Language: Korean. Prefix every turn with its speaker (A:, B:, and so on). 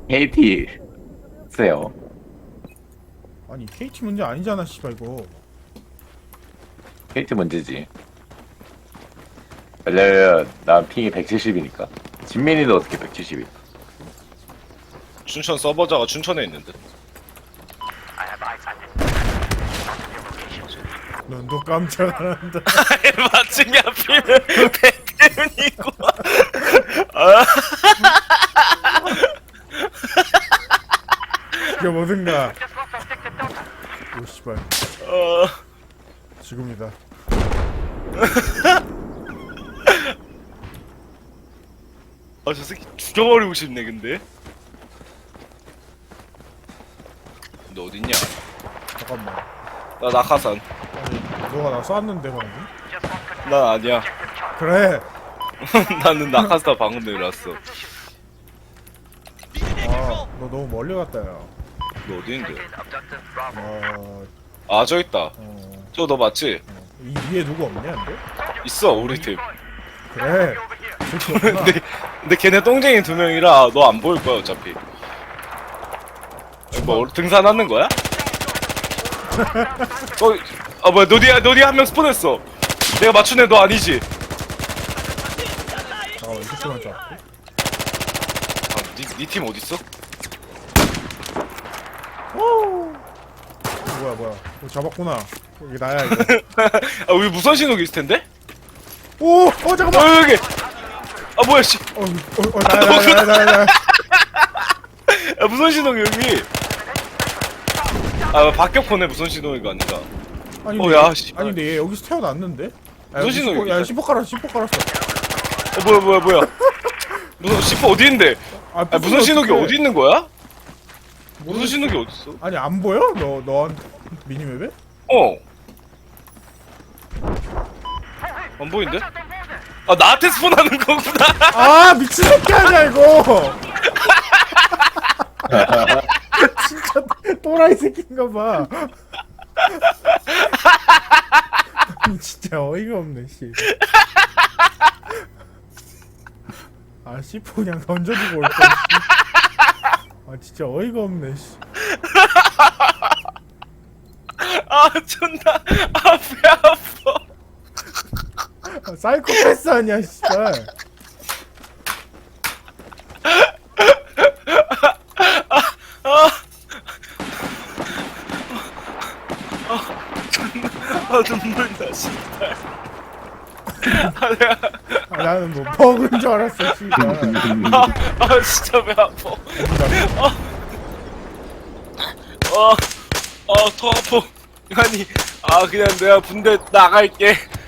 A: KT 세요.
B: 아니 KT 문제 아니잖아 씨발 이거.
A: KT 문제지. 왜냐면 난 핑이 170이니까. 진민이도 어떻게 170이?
C: 춘천 서버자가 춘천에 있는데.
B: 넌또 깜짝 안 한다.
C: 마침이 하필 백대문이고. 아,
B: 이게 뭐든가. 오 씨발 지금이다.
C: 아, 저 새끼 죽여버리고 싶네 근데. 너 어딨냐?
B: 잠깐만.
C: 나 낙하산.
B: 아니 너가 나 쐈는데 방금?
C: 난 아니야.
B: 그래.
C: 나는 낙하산 방금 내려왔어.
B: 아 너 너무 멀리 갔다 야.
C: 너 어디 있는데?
B: 어,
C: 아, 저 있다. 저 너 맞지?
B: 이 위에 누구 없냐 근데?
C: 있어 우리 팀.
B: 그래.
C: 근데 걔네 똥쟁이 2명이라 너 안 보일 거야 어차피. 뭐 등산하는 거야? 아 뭐야 너디 한 명 스폰했어. 내가 맞춘 애 너 아니지?
B: 잠깐만 이렇게 만 잡고.
C: 아, 니 팀 어딨어?
B: 뭐야 잡았구나. 이게 나야 이거.
C: 아 우리 무선 신호기 있을 텐데?
B: 오! 잠깐만!
C: 여기! 아 뭐야 씨!
B: 나야.
C: 야 무선 신호기 여기! 아 박격포네 무선 신호기가 아니라.
B: 아니,
C: 야 씨.
B: 아니 근데 얘 여기서 태어났는데?
C: 무슨 신호기?
B: 야 C4 깔았어.
C: 뭐야 무슨 시포 어디 있는데? 아 무선 신호기 어디 있는 거야? 무선 신호기 어딨어?
B: 아니 안 보여? 너한테 미니맵에?
C: 어. 안 보이는데? 아 나한테 스폰하는 거구나.
B: 아 미친 새끼 아니야 이거. 진짜 또라이 새끼인가 봐. 진짜 어이가 없네 씨. 아 C4 그냥 던져주고 올 거. 아 진짜 어이가 없네 씨.
C: 아 존나 아 배 아파.
B: 아, 사이코패스 아니야 진짜.
C: 아 눈물 나 씨발. 아 내가
B: 아, 나는 뭐 버그인 줄 알았어 씨발.
C: 아 진짜 배 아파. 더 아파. 아니 그냥 내가 군대 나갈게.